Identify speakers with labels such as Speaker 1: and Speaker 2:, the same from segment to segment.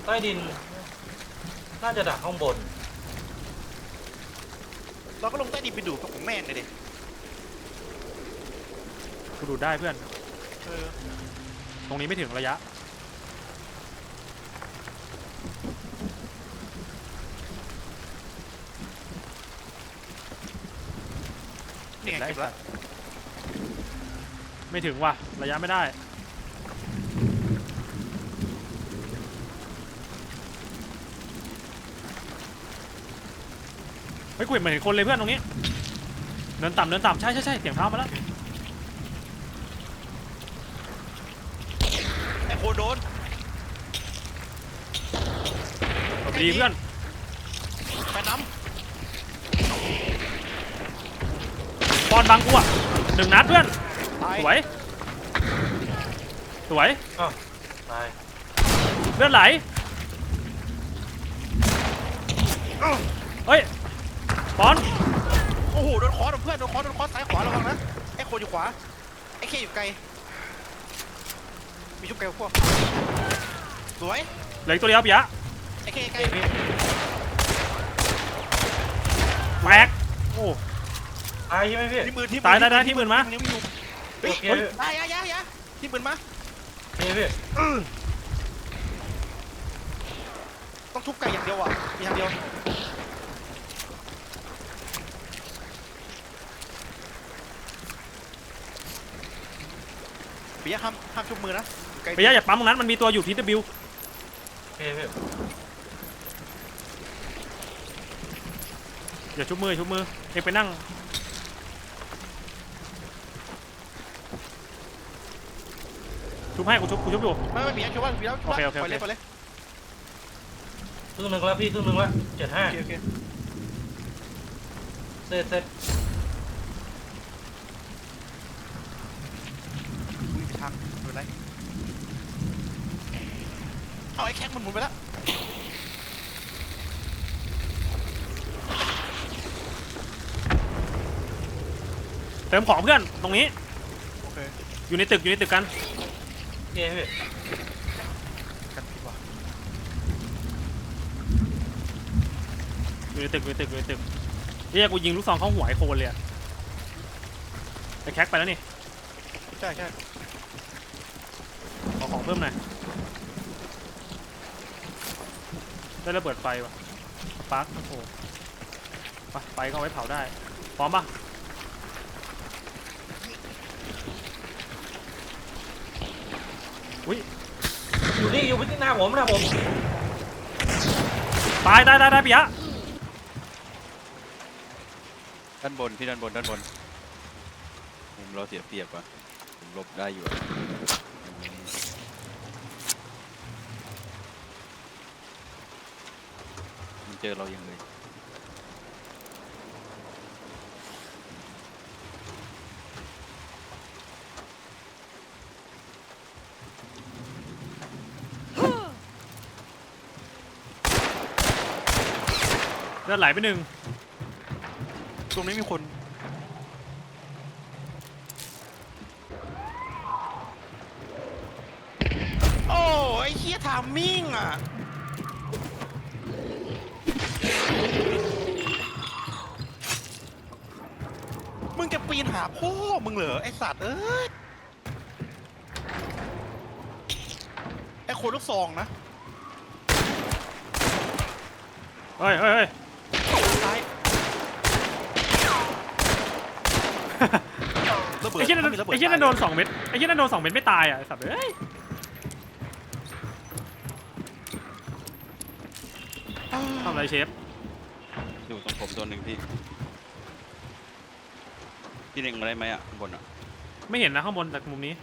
Speaker 1: ใต้ดินน่าจะดักข้างบน
Speaker 2: เราก็ลงใต้ดินไปดูกับผมแม่งเลยดิ
Speaker 3: กูดูได้เพื่อน
Speaker 2: เออ
Speaker 3: ตรงนี้ไม่ถึงระยะ
Speaker 2: นี่ไงเก็บแล้ว
Speaker 3: ไม่ถึงว่ะระยะไม่ได้เฮ้ยกูเห็นเหมือนเห็นคนเลยเพื่อนตรงนี้เดินต่ำเดินต่ำใช่ใช่ใช่เสียงเท้ามาแล้ว
Speaker 2: ไอ้โคโดน
Speaker 3: สวัสดีเพื่อน
Speaker 2: ไปน้
Speaker 3: ปอนบังกูอ่ะ1 นัดเพื่อน
Speaker 2: ำตาย
Speaker 3: สวยสวย
Speaker 1: อ้าวตาย
Speaker 3: เลือดไหลเฮ้ยปอน
Speaker 2: โอ้โหโดนคอร์สเพื่อนโดนคอร์สซ้ายขวาระวังนะไอ้โคอยู่ขวาไอ้เคอยู่ไกลมีชุบไกลพวกสวย
Speaker 3: เหลืออีกตัวเดียวปิยะ
Speaker 2: ไอ้เคไกล
Speaker 3: แตกโอ้
Speaker 1: ตายใช่ไหมพี่
Speaker 2: ที่มือที่
Speaker 3: ตายได้ที่มือมา
Speaker 2: นิ้วอยู่เฮ้ย
Speaker 1: โอเค
Speaker 2: ตายยะที่มือมา
Speaker 1: นี่พี่
Speaker 2: ต้องทุบไก่อย่างเดียวอ่ะมีทางเดียวปิยะห้ามชุบมือนะไกล
Speaker 3: ปิยะอย่าปั๊มตรงนั้นมันมีตัวอยู่ TW
Speaker 1: โอเคพี่
Speaker 3: อย่าชุบมือเอ็งไปนั่งชุบให้กูชุบอยู่
Speaker 2: ไม่ปิยะชุบว่าปิยะชุบว่า
Speaker 3: โอเค
Speaker 2: ไปเลย
Speaker 1: ครึ่งหนึ่งแล้วพี่ครึ่งหนึ่งแล้ว75
Speaker 2: โอเค
Speaker 1: เสร็จ
Speaker 2: วิ่งไปทางดูไรเอาไอ้แค็กมันหมุนไปแล้ว
Speaker 3: เติมของเพื่อนตรงนี้
Speaker 2: โอเค
Speaker 3: อยู่ในตึกกัน
Speaker 1: โอเคพี่
Speaker 2: กันผิดว่ะ
Speaker 3: อยู่ในตึกเรียกกูยิงลูกซองเข้าหัวไอ้โคนเลยอะไอ้แคคไปแล้วนี่
Speaker 2: ใช่
Speaker 3: ขอของเพิ่มหน่อยได้ระเบิดไฟว่ะปาร์คโอ้โหไฟก็เอาไว้เผาได้พร้อมปะอุ้ย
Speaker 1: อยู่ที่หน้าผมนะผม
Speaker 3: ตายปิยะ
Speaker 4: ด้านบนพี่ด้านบนมุมเราเสียเปรียบว่ะผมหลบได้อยู่อะมันเจอเราอย่างเลย
Speaker 3: เลือดไหลไป1
Speaker 2: ตรงนี้มีคนโอ้ไอ้เคียทามมิ่งอ่ะมึงจะปีนหาพ่อมึงเหรอไอ้สัตว์เอ้ยไอ้โคลูกซองนะ
Speaker 3: เฮ้ย
Speaker 2: ซ้ายระเบิด
Speaker 3: ไอ้เชี่ยนั่น
Speaker 2: ถ้ามีระเบิด
Speaker 3: ไอ้เชี่ยนั่นโดน2 เม็ดไอ้เชี่ยนั่นโดน2 เม็ดไม่ตายอ่ะไอ้สัตว์เอ้ย ทำอะไรเชฟ
Speaker 4: อยู่ตรงผมตัวหนึ่งพี่เล็งมาได้ไหมอ่ะข้างบนอ่ะ
Speaker 3: ไม่เห็นนะข้างบนจากมุมนี้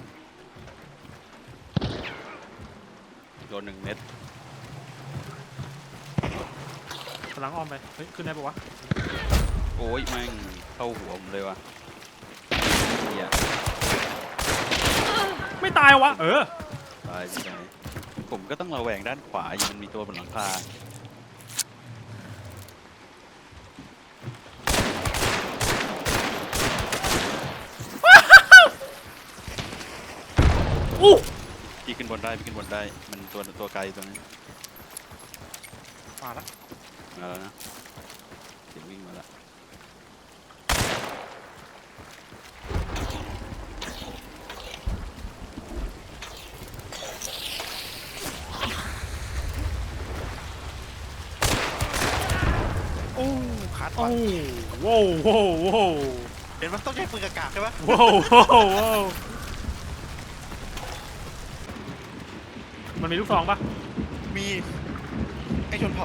Speaker 4: โดน1 เม็ด
Speaker 3: กำลังอ้อมไปเฮ้ยขึ้นได้ปะวะ
Speaker 4: โอ้ยแม่งเข้าหัวผมเลยว่ะเหี้ย
Speaker 3: ไม่ตายวะ
Speaker 4: ตายไปไหนผมก็ต้องระแวงด้านขวาอยู่มันมีตัวบนหลังคา
Speaker 3: อู้
Speaker 4: พี่ขึ้นบนได้มันตัวไกลตัวนี้
Speaker 2: มาแล้ว
Speaker 4: มาแล้วนะเสียงวิ่งมาแล้ว
Speaker 2: โอ้ขาด
Speaker 3: โอ้
Speaker 2: ว่ะ
Speaker 3: โว้วโว้วโว้ว
Speaker 2: เห็นมันต้องใช้ปืนกากๆใช่ปะ
Speaker 3: โว้วโว้วโว้วมันมีลูกซองปะ
Speaker 2: มีไอ้ชนเผ่า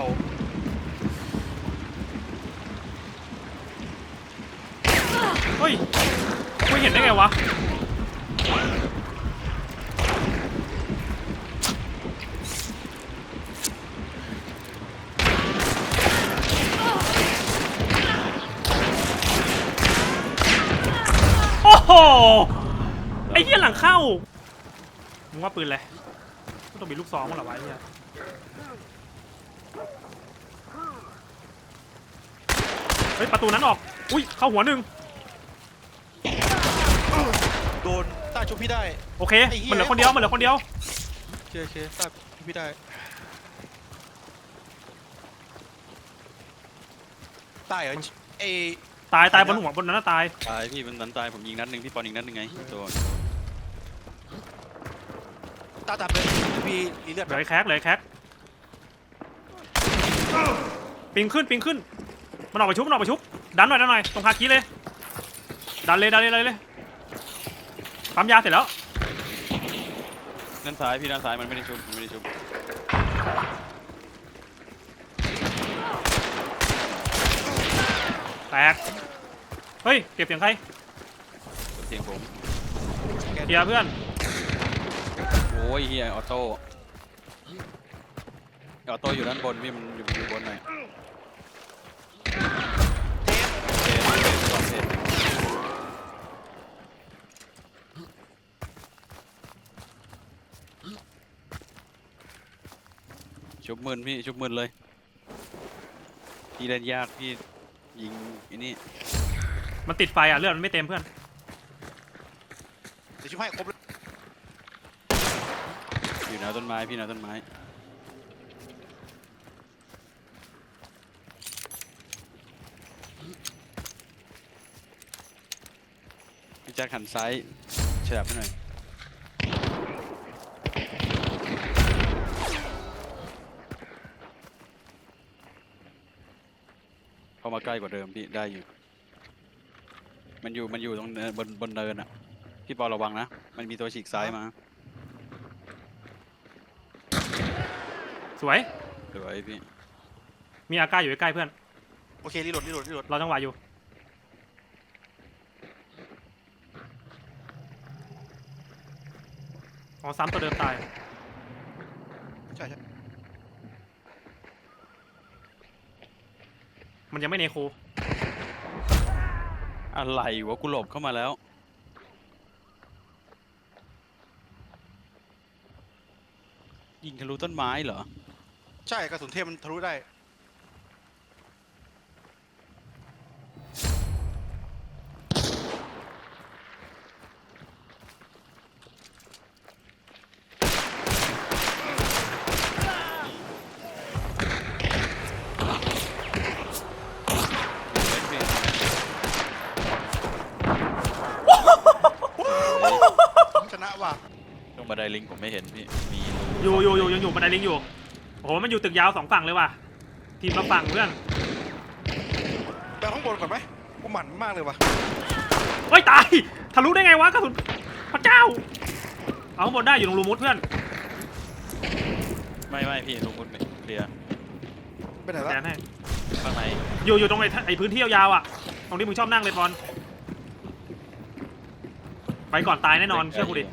Speaker 3: เฮ้ยไม่เห็นได้ไงวะโอ้โหไอ้เหี้ยหลังเข้ามึงว่าปืนอะไรต้องมีลูกซองมั้งเหรอวะไอ้เหี้ยเฮ้ยประตูนั้นออกอุ้ยเข้าหัวหนึ่ง
Speaker 2: โดนต้าชุบพี่ได้
Speaker 3: โอเค
Speaker 2: ไอ้เหี้ย
Speaker 3: มันเหลือคนเดียวมันเหลือคนเดียว
Speaker 2: โอเคต้าชุบพี่ได้ตายเหรอไอ้
Speaker 3: ตายบนหัวบนนั้นนะตาย
Speaker 4: ตายพี่มันนั้นตายผมยิงนัดหนึ่งพี่ปอนยิงนัดหนึ่งไงตัว
Speaker 2: ต้าจับเลยพี่รีเลือด
Speaker 3: เหลือไอ้แคกปิงขึ้นมันออกไปชุบดันหน่อยตรงคาคีเลยดันเลยปั๊มยาเสร็จแล้ว
Speaker 4: ด้านซ้ายพี่ด้านซ้ายมันไม่ได้ชุบ
Speaker 3: แตกเฮ้ยเก็บเสียงใคร
Speaker 4: เสียงผม
Speaker 3: เฮียเพื่อน
Speaker 4: โอ้ยเฮียออโต้อยู่ด้านบนพี่มันอยู่บนหน่อยเทปชุบมืนพี่ชุบมืนเลยพี่เล่นยากพี่ยิงไอ้นี่
Speaker 3: มันติดไฟอ่ะเลือดมันไม่เต็มเพื่อน
Speaker 2: เดี๋ยวชุบให้ครบเลย
Speaker 4: อยู่แนวต้นไม้พี่แนวต้นไม้พี่แจ็คหันซ้ายฉลับให้หน่อยเข้ามาใกล้กว่าเดิมพี่ได้อยู่มันอยู่ตรงเนินบนเนินอ่ะพี่ปอระวังนะมันมีตัวฉีกซ้ายมา
Speaker 3: สวย
Speaker 4: สวยพี่
Speaker 3: มีอาก้าอยู่ใกล้ๆเพื่อน
Speaker 2: โอเครีโหลด
Speaker 3: เราจังหวะอยู่อ๋อซ้ำตัวเดิมตาย
Speaker 2: ใช่
Speaker 3: มันยังไม่เนโค
Speaker 4: อะไรวะกูหลบเข้ามาแล้วยิงทะลุต้นไม้เหรอ
Speaker 2: ใช่กระสุนเทพมันทะลุได้ชนะว่ะ
Speaker 4: ตรงบันไดลิงผมไม่เห็นพี่มี
Speaker 3: อยู่ยังอยู่บันไดลิงอยู่โอ้โหมันอยู่ตึกยาว2ฝั่งเลยว่ะทีมละฝั่งเพื่อน
Speaker 2: ไปข้างบนก่อนไหมกูหมั่นมากเลยว่ะ
Speaker 3: เฮ้ยตายทะลุได้ไงวะกระสุนพระเจ้าเอาข้างบนได้อยู่ตรงรูมุดเพื่อน
Speaker 4: ไม่พี่ลงบนเคลียร์
Speaker 2: ไปไหนละ
Speaker 3: แทนให้
Speaker 4: ข้างใน
Speaker 3: อยู่ตรงไอ้พื้นที่ยาวๆอ่ะตรงที่มึงชอบนั่งเลยบอลไปก่อนตายแน่นอนเชื่อกูดิ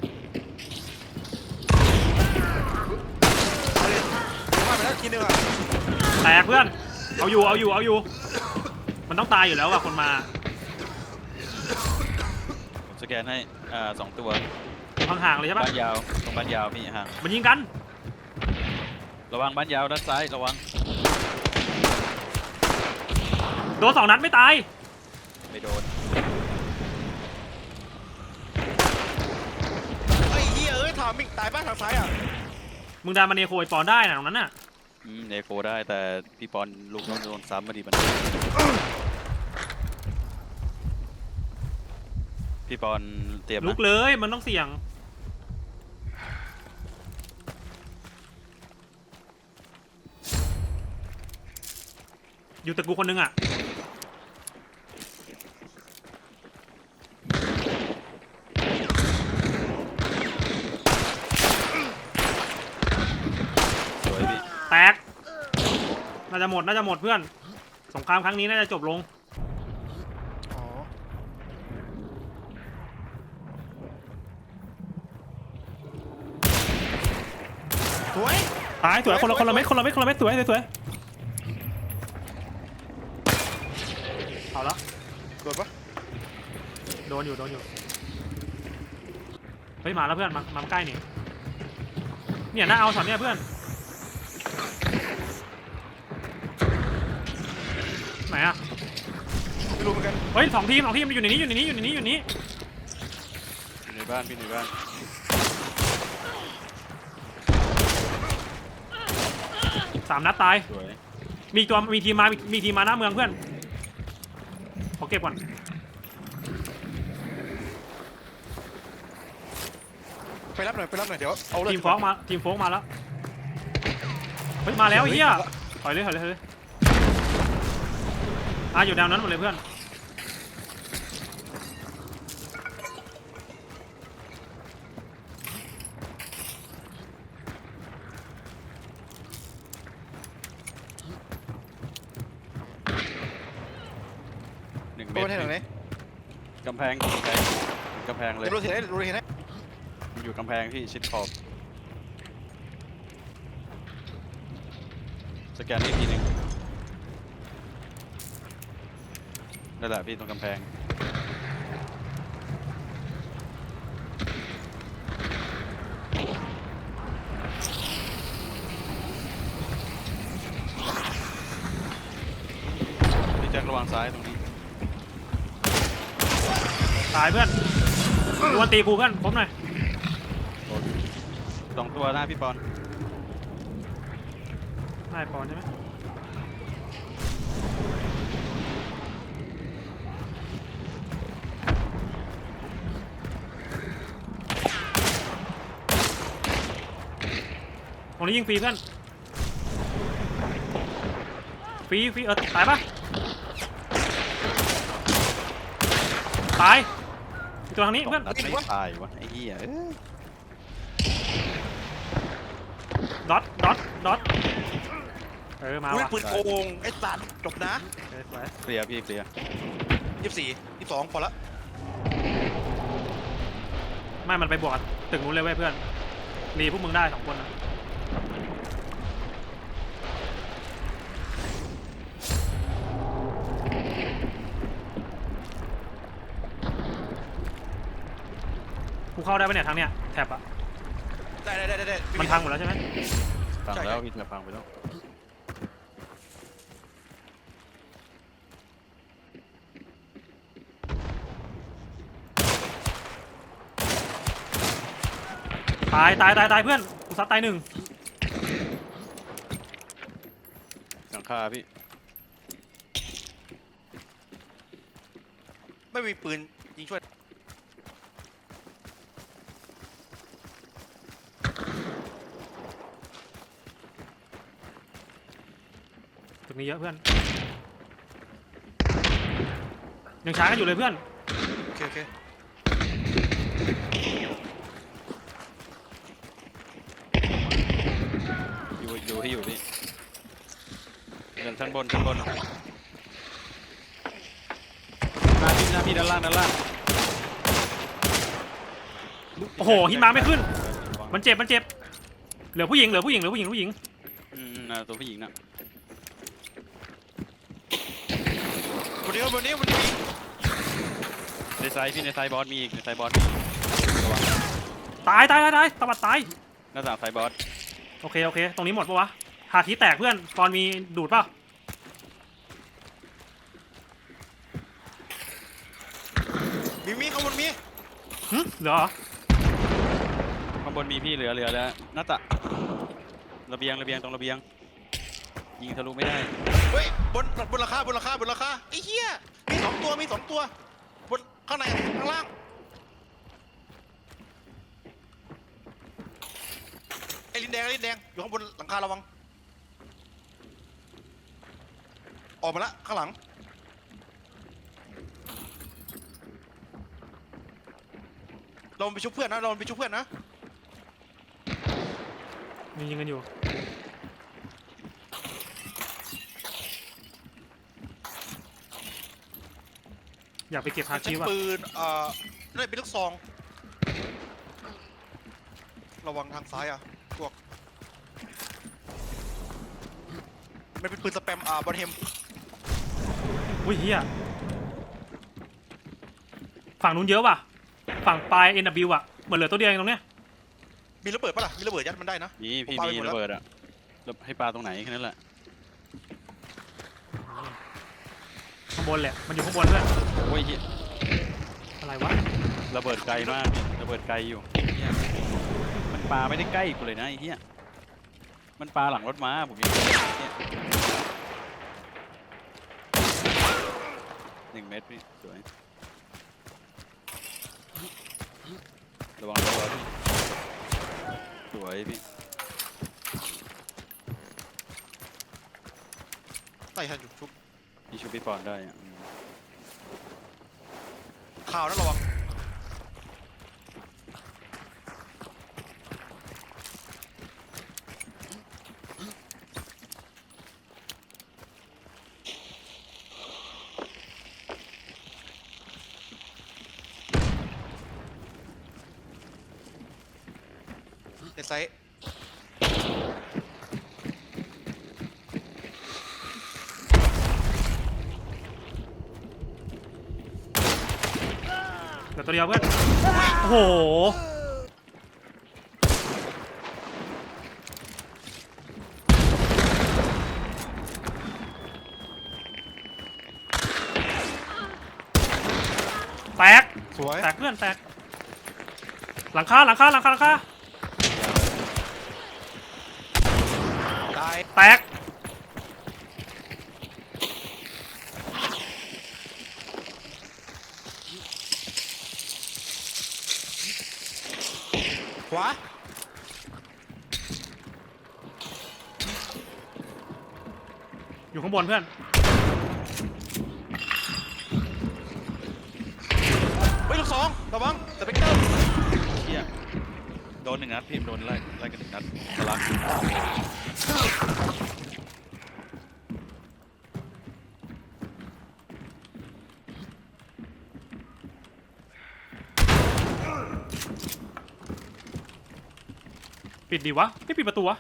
Speaker 2: มาไปแล้วทีนึงอ่ะ
Speaker 3: แตกเพื่อนเอาอยู่มันต้องตายอยู่แล้วอ่ะคนมา
Speaker 4: ผมสแกนให้2 ตัว
Speaker 3: ห่างๆเลยใช่ปะ
Speaker 4: บ้านยาวตรงบ้านยาวพี่ห่าง
Speaker 3: มันยิงกัน
Speaker 4: ระวังบ้านยาวด้านซ้ายระวัง
Speaker 3: โดน2 นัดไม่ตาย
Speaker 4: ไม่โดน
Speaker 2: ไอ้เหี้ยถามมิกตายบ้านทางซ้ายอ่ะ
Speaker 3: มึงดันมาเนโคไอปอนได้นะตรงนั้นน่ะ
Speaker 4: เอโคได้แต่พี่ปอนลูกน้องโดนซ้ำมาดิมันพี่ปอนเตรียม
Speaker 3: ลุ
Speaker 4: นะ
Speaker 3: กเลยมันต้องเสี่ยงอยู่ตึกกูคนนึงอ่ะ
Speaker 4: สวยพี่
Speaker 3: แตกน่าจะหมดเพื่อนสงครามครั้งนี้น่าจะจบลง
Speaker 2: อ๋อสวย
Speaker 3: ตายสวยคนละเม็ดสวยเอาละ
Speaker 2: โดนปะ
Speaker 3: โดนอยู่เฮ้ยมาแล้วเพื่อนมาใกล้นี่เนี่ยน่าเอาช็อตเนี่ยเพื่อนไหนอะ
Speaker 2: ไม่รู้เหมือนกัน
Speaker 3: เฮ้ยสองทีมอยู่ในนี้
Speaker 4: อยู่ในบ้านพี่ในบ้าน
Speaker 3: 3 นัดตาย
Speaker 4: สวย
Speaker 3: มีทีมมาหน้าเมืองเพื่อนขอเก็บก่อน
Speaker 2: ไปรับหน่อยเดี๋ยวเอาเลย
Speaker 3: ทีมโฟกมาแล้วเฮ้ยมาแล้วเฮียถอยเลยอยู่แนวนั้นหมดเลยเพื่อน
Speaker 4: 1
Speaker 2: โด
Speaker 4: เมต
Speaker 2: นที่ไหน
Speaker 4: ร
Speaker 2: ไหน
Speaker 4: กำแพงเลย
Speaker 2: รู้เห็นไหม
Speaker 4: มันอยู่กำแพงพี่ชิดขอบสแกนอีกทีหนึ่งนั่นแหละพี่ตรงกำแพงพี่แจ็คระวังซ้ายตรงนี้
Speaker 3: ตายเพื่อนดวลตีกูเพื่อนผมหน่อย
Speaker 4: 2 ตัวหน้าพี่ปอน
Speaker 3: ได้ปอนใช่ไหมตรงนี้ยิงฟรีเพื่อนฟรีตายปะตายอีกตัวทางนี้เพื่อน
Speaker 4: นัดไม่ตายวะไอ้เหี้ย
Speaker 3: ดอทมา
Speaker 2: อุ้ย
Speaker 3: ว่ะ
Speaker 2: ปืนโกงไอ้สัตว์จบนะ
Speaker 3: สวย
Speaker 4: เคลียร์พี่เคลียร์
Speaker 2: 24 22พอละ
Speaker 3: ไม่มันไปบวกกับตึกนู้นเลยเว้ยเพื่อนรีพวกมึงได้2 คนนะกูเข้าได้ปะเนี่ยทางเนี้ยแท็บอะ
Speaker 2: ได้
Speaker 3: มันพังหมดแล้วใช่ไหม
Speaker 4: ฟังแล้วพี่จะฟังไปแล้ว
Speaker 3: ตายเพื่อนกูซัดตาย 1
Speaker 4: หลังคาพี่
Speaker 2: ไม่มีปืนยิงช่วย
Speaker 3: ตึกนี้เยอะเพื่อนยังช้ากันอยู่เลยเพื่อน
Speaker 2: โอเค
Speaker 4: อยู่ที่อยู่พี่เดินชั้นบนหน้าพี่ด้านล่าง
Speaker 3: โอ้โหหิมะไม่ขึ้นมันเจ็บเหลือผู้หญิง
Speaker 4: ตัวผู้หญิงนะ
Speaker 2: วันนี้
Speaker 4: ในไซส์พี่ในไซส์บอสมีอีกระวัง
Speaker 3: ตายตะบัดตาย
Speaker 4: หน้าต่างไซส์บอส
Speaker 3: โอเคตรงนี้หมดปะวะหาทีแตกเพื่อนตอนมีดูดป่ะ
Speaker 2: มีข้างบนมี
Speaker 3: เหลือเหรอ
Speaker 4: ข้างบนมีพี่เหลือแล้วหน้าต่างระเบียงตรงระเบียงยิงทะลุไม่ได้
Speaker 2: เฮ้ยบนราคาไอ้เหี้ยมีสองตัวบนข้างในข้างล่างไอ้ลิ้นแดงอยู่ข้างบนหลังคาระวังออกมาละข้างหลังเราไปชุบเพื่อนนะ
Speaker 3: ยิงกันอยู่อยากไปเก็บฮา
Speaker 2: ใช้
Speaker 3: คิว่ะ
Speaker 2: ปืนนั่นเป็นลูกซองระวังทางซ้ายอ่ะพวกมันเป็นปืนสแปมบอลเฮม
Speaker 3: อุ้ยเฮียฝั่งนู้นเยอะว่ะฝั่งปลาย NW อ่ะเหมือนเหลือตัวเดียวเองตรงเนี้ย
Speaker 2: มีระเบิดปะล่ะมีระเบิดยัดมันได้นะ
Speaker 4: นี่พี่
Speaker 2: ผมปาไป
Speaker 4: มี
Speaker 2: หมดแล้ว
Speaker 4: ระเบิดอะให้ปลาตรงไหนแค่นั้นแหละ
Speaker 3: ข้างบนแหละมันอยู่ข้างบนด้วย
Speaker 4: โอ้ยเหี้ย
Speaker 3: อะไรวะ
Speaker 4: ระเบิดไกลมากระเบิดไกลอยู่เหี้ยมันปลาไม่ได้ใกล้กูเลยนะไอ้เหี้ยมันปลาหลังรถม้าผมยังเนี่ย1 เมตรพี่สวยระวังตัวพี่สวยพี่
Speaker 2: ใส่ทันอยู่ชุบ
Speaker 4: พี่ชูพี่ปอนได้อะ
Speaker 2: ข่าวนะระวังในไซต์
Speaker 3: เหลือตัวเดียวเพื่อนโอ้โหแตก
Speaker 2: สวย
Speaker 3: แตกเพื่อนแตกหลังคา
Speaker 2: ตาย
Speaker 3: แตก
Speaker 2: ขวา
Speaker 3: อยู่ข้างบนเพื่อน
Speaker 2: เฮ้ยลูกซองระวังสเปกเตอร์
Speaker 4: เหี้ยโดน1 นัดพี่โดนไล่กัน1 นัดทะลัก
Speaker 3: ปิดดีวะไม่ปิดประตูวะ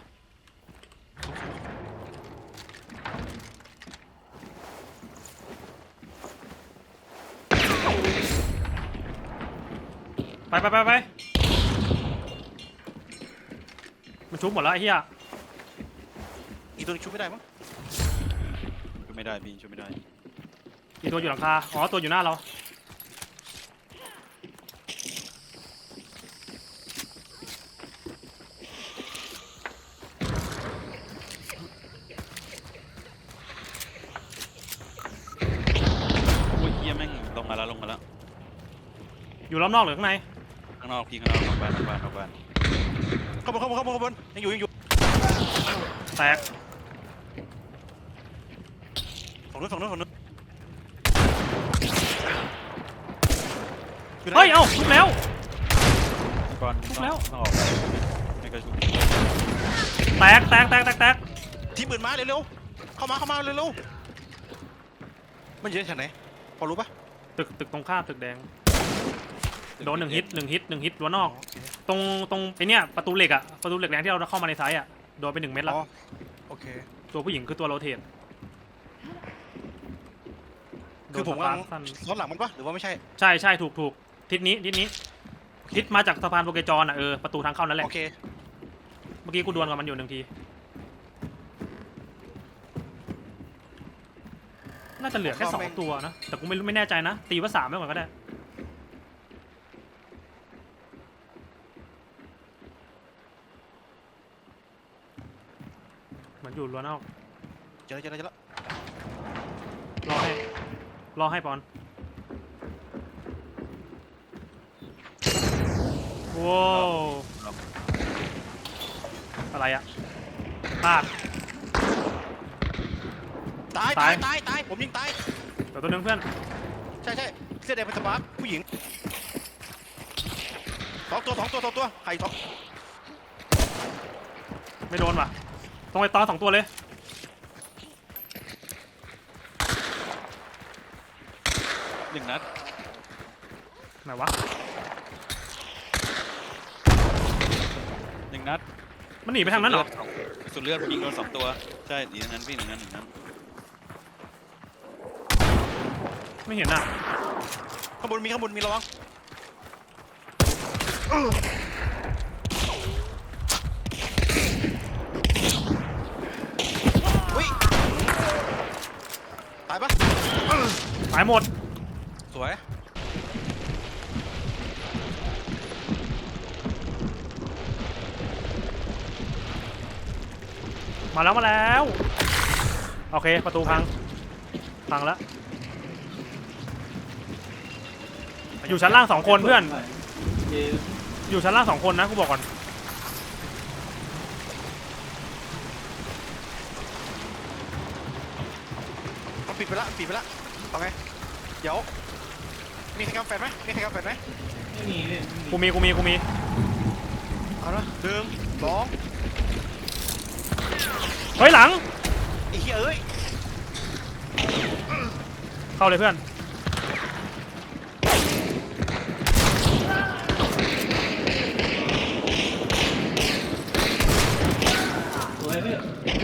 Speaker 3: ไปมันชุบหมดแล้วไอ้เหี้ย
Speaker 2: อีกตัวนึงชุบไม่ได้มั้ง
Speaker 4: ช่วยไม่ได้พี่ช่วยไม่ได้
Speaker 3: อีกตัวอยู่หลังคาอ๋อตัวอยู่หน้าเรา
Speaker 4: โอ้ยเหี้ยแม่งลงมาแล้ว
Speaker 3: อยู่รอบนอกหรือข้างใน
Speaker 4: ข้างนอกพี่ข้างนอกนอกบ้าน
Speaker 2: เข้าบนยังอยู่
Speaker 3: แตก
Speaker 2: ฝั่งนู้นอยู่ไหน
Speaker 3: เฮ้ยเอ้าชุบแล้ว
Speaker 4: พี่บอล
Speaker 3: ทุบแล้ว
Speaker 4: ต้องออกไม่กระชุบ
Speaker 3: แตก
Speaker 2: ทีมอื่นมาเร็วๆเข้ามาเร็วๆมันอยู่ที่ไหนพอรู้ปะ
Speaker 3: ตึกตรงข้ามตึกแดงโดน1 ฮิตรั้วนอกตรงไอเนี้ยประตูเหล็กแดงที่เราเข้ามาในไซต์อะโดนไป1 เม็ดแล้ว
Speaker 2: โอเค
Speaker 3: ตัวผู้หญิงคือตัวโรเทต
Speaker 2: คือผมกำลัง
Speaker 3: สั้น
Speaker 2: ซ้อนหลังมันปะหรือว่าไม่ใช่
Speaker 3: ใช่ถูกทิศนี้ทิศมาจากสะพานโปเกจรอ่ะประตูทางเข้านั่นแหละ
Speaker 2: โอเค
Speaker 3: เมื่อกี้กูดวลกับมันอยู่1 ทีน่าจะเหลือแค่2 ตัวนะแต่กูไม่แน่ใจนะตีว่า3ไม่ก่อนก็ได้เหมือนอยู่รั้วนอก
Speaker 2: เจอแล้ว
Speaker 3: รอให้ปอนว้าวอะไรอะพลาด
Speaker 2: ตาย
Speaker 3: ตาย
Speaker 2: ผมยิงตาย
Speaker 3: เดี๋ยวตัวนึงเพื่อน
Speaker 2: ใช่เสื้อแดงเป็นสปาร์คผู้หญิงสองตัวไข่ทอง
Speaker 3: ไม่โดนว่ะตรงไอ้ตอน2ตัวเลย
Speaker 4: 1 นัด
Speaker 3: ไหนวะ
Speaker 4: 1 นัด
Speaker 3: มันหนีไปทางนั้นเหรอ
Speaker 4: สุดเลือดผมยิงโดน2 ตัวใช่หนีทางนั้นพี่1 นัด
Speaker 3: ไม่เห็นอ่ะ
Speaker 2: ข้างบนมีระวังอุ้ยตายปะ
Speaker 3: ตายหมด
Speaker 2: สวย
Speaker 3: มาแล้วโอเคประตูพังแล้วอยู่ชั้นล่าง2 คนเพื่อนอยู่ชั้นล่าง2 คนนะกูบอกก่อน
Speaker 2: มันปิดไปละต่อไงเดี๋ยวมีใครกำแฟนไหม
Speaker 1: ไม่มีเลย
Speaker 3: กูมี
Speaker 2: เอาละ1 2
Speaker 3: เฮ้ยหลัง
Speaker 2: ไอ้เหี้ยเอ้ย
Speaker 3: เข้าเลยเพื่อน
Speaker 1: สวยพี่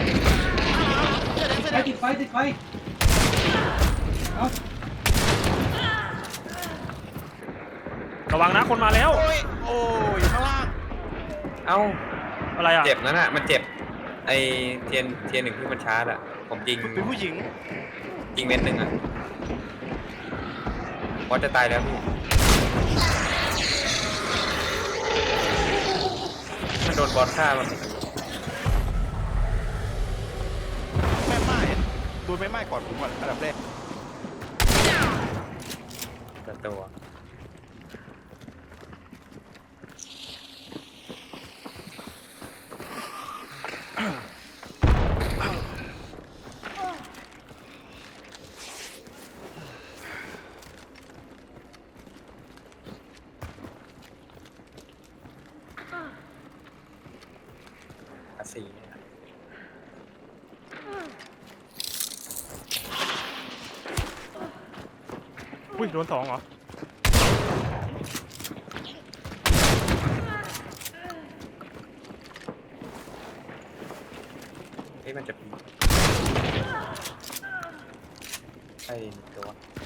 Speaker 2: เสื้อแดง
Speaker 1: ไฟติดไฟเอา
Speaker 3: ระวังนะคนมาแล้ว
Speaker 2: โอ้ยอยู่ข้างล่าง
Speaker 5: เอ้า
Speaker 3: อะไรอ่ะ
Speaker 5: เจ็บนั่นน่ะมันเจ็บไอเทียนหนึ่งที่มันชาร์จอ่ะผมยิง
Speaker 2: เป็นผู้หญิง
Speaker 5: ยิงเม็ดหนึ่งอ่ะบอสจะตายแล้วพี่มันโดนบอสฆ่ามัน
Speaker 2: แม่ไม้ดูแม่ไม้ก่อนผมก่อนอันดับแรก
Speaker 5: แต่ตัว สี
Speaker 3: อุ้ยโดน2เหรอ
Speaker 5: เฮ้ยมันจะใช่ตัว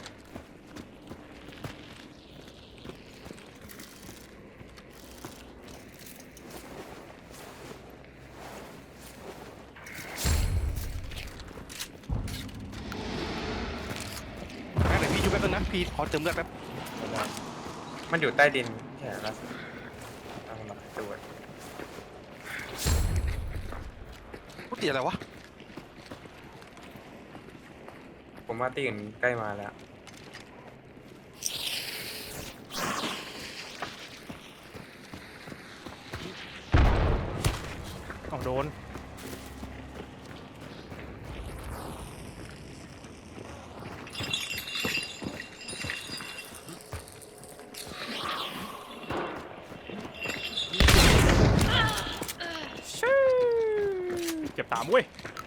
Speaker 2: งั้นเดี๋ยวพี่อยู่แป๊บนึงนะพี่ขอเติมเลือดแป๊บ
Speaker 5: มันอยู่ใต้ดินแค่ละตั้งหลักตัว
Speaker 2: กูติดอะไรวะ
Speaker 5: ผมว่าตีอื่นใกล้มาแล้ว
Speaker 3: เอาโดน เจ็บ3เว้ย